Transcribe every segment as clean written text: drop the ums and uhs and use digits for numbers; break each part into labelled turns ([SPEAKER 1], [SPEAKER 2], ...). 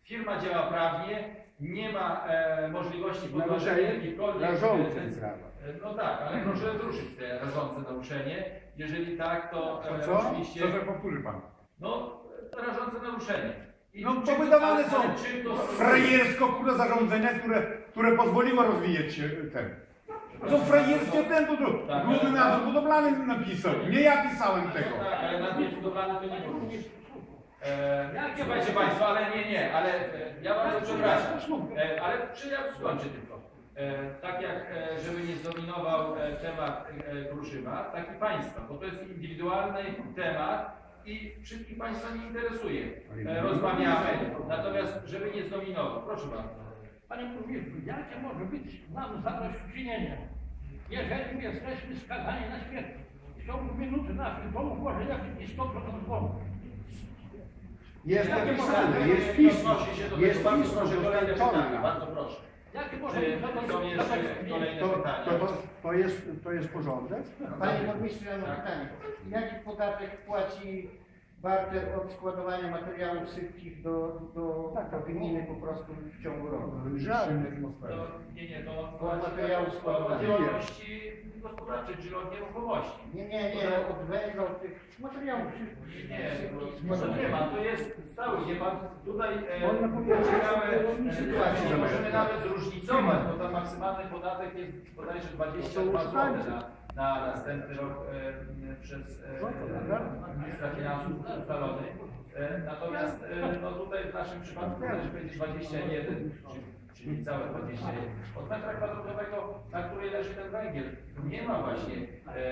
[SPEAKER 1] Firma działa prawnie, nie ma możliwości podważenia
[SPEAKER 2] Naruszenie
[SPEAKER 1] jakichkolwiek
[SPEAKER 2] rażące
[SPEAKER 1] decyzji.
[SPEAKER 2] prawa.
[SPEAKER 1] No tak, ale proszę zruszyć te rażące naruszenie. Jeżeli tak, to
[SPEAKER 3] Co?
[SPEAKER 1] oczywiście...
[SPEAKER 3] Co to powtórzy pan?
[SPEAKER 1] No, rażące naruszenie. I
[SPEAKER 3] No
[SPEAKER 1] czy
[SPEAKER 3] to wydawane są
[SPEAKER 1] ale czy to
[SPEAKER 3] frajersko kurwa zarządzenia, które pozwoliło rozwijać się ten. To są frajerskie ten, to
[SPEAKER 1] Tak,
[SPEAKER 3] główny
[SPEAKER 1] ale-
[SPEAKER 3] nadzór budowlany napisał. Nie ja pisałem tego.
[SPEAKER 1] No tak, ale nadzór budowlany to nie burmistrz. Słuchajcie Państwo, ale nie, ale ja bardzo przepraszam, ale czy ja skończę tylko. Tak jak, żeby nie zdominował temat Kruszyma, tak i Państwa, bo to jest indywidualny temat i wszystkich Państwa nie interesuje. Rozmawiamy, natomiast żeby nie zdominował. Proszę bardzo.
[SPEAKER 4] Panie burmistrzu, jakie może być nam zadośćuczynienie, jeżeli jesteśmy skazani na śmierć? W ciągu minuty naszych domów może jakiś 100% złomów.
[SPEAKER 2] Jest
[SPEAKER 1] Jakie
[SPEAKER 2] napisane,
[SPEAKER 1] może-
[SPEAKER 2] jest pismo.
[SPEAKER 1] odnosi się do
[SPEAKER 2] Jest
[SPEAKER 1] tego. Bardzo
[SPEAKER 2] pismo
[SPEAKER 1] proszę, kolejne
[SPEAKER 2] dostarczone
[SPEAKER 1] pytanie.
[SPEAKER 2] nam.
[SPEAKER 1] Bardzo proszę.
[SPEAKER 4] Jakie może
[SPEAKER 1] Czy
[SPEAKER 4] być
[SPEAKER 1] są jeszcze kolejne pytania?
[SPEAKER 2] To jest porządek?
[SPEAKER 5] Panie burmistrzu, ja mam
[SPEAKER 1] Tak.
[SPEAKER 5] pytanie. Jaki podatek płaci barter od składowania materiałów sypkich do gminy po prostu w ciągu roku?
[SPEAKER 2] Żadnych.
[SPEAKER 1] Nie, to
[SPEAKER 5] Od materiału
[SPEAKER 1] od
[SPEAKER 5] składowanego.
[SPEAKER 1] działalności gospodarczej, czyli od nieruchomości.
[SPEAKER 5] Nie, od węgla, od tych materiałów sypkich.
[SPEAKER 1] Nie,
[SPEAKER 5] sypkich
[SPEAKER 1] może nie ma,
[SPEAKER 5] składowanych.
[SPEAKER 1] to jest stały, nie pan tutaj
[SPEAKER 2] Można powiedzieć,
[SPEAKER 1] ciekawe
[SPEAKER 5] sytuację
[SPEAKER 1] możemy
[SPEAKER 5] zamiast.
[SPEAKER 1] nawet zróżnicować, bo tam maksymalny podatek jest bodajże 22 zł na następny rok przez ministra finansów ustalony. Natomiast no tutaj w naszym przypadku należy powiedzieć 21, czyli całe 21. Od metra kwadratowego, na której leży ten węgiel, nie ma właśnie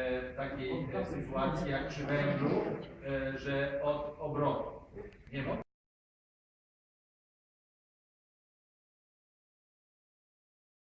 [SPEAKER 1] takiej sytuacji jak przy węglu, że od obrotu. Nie ma.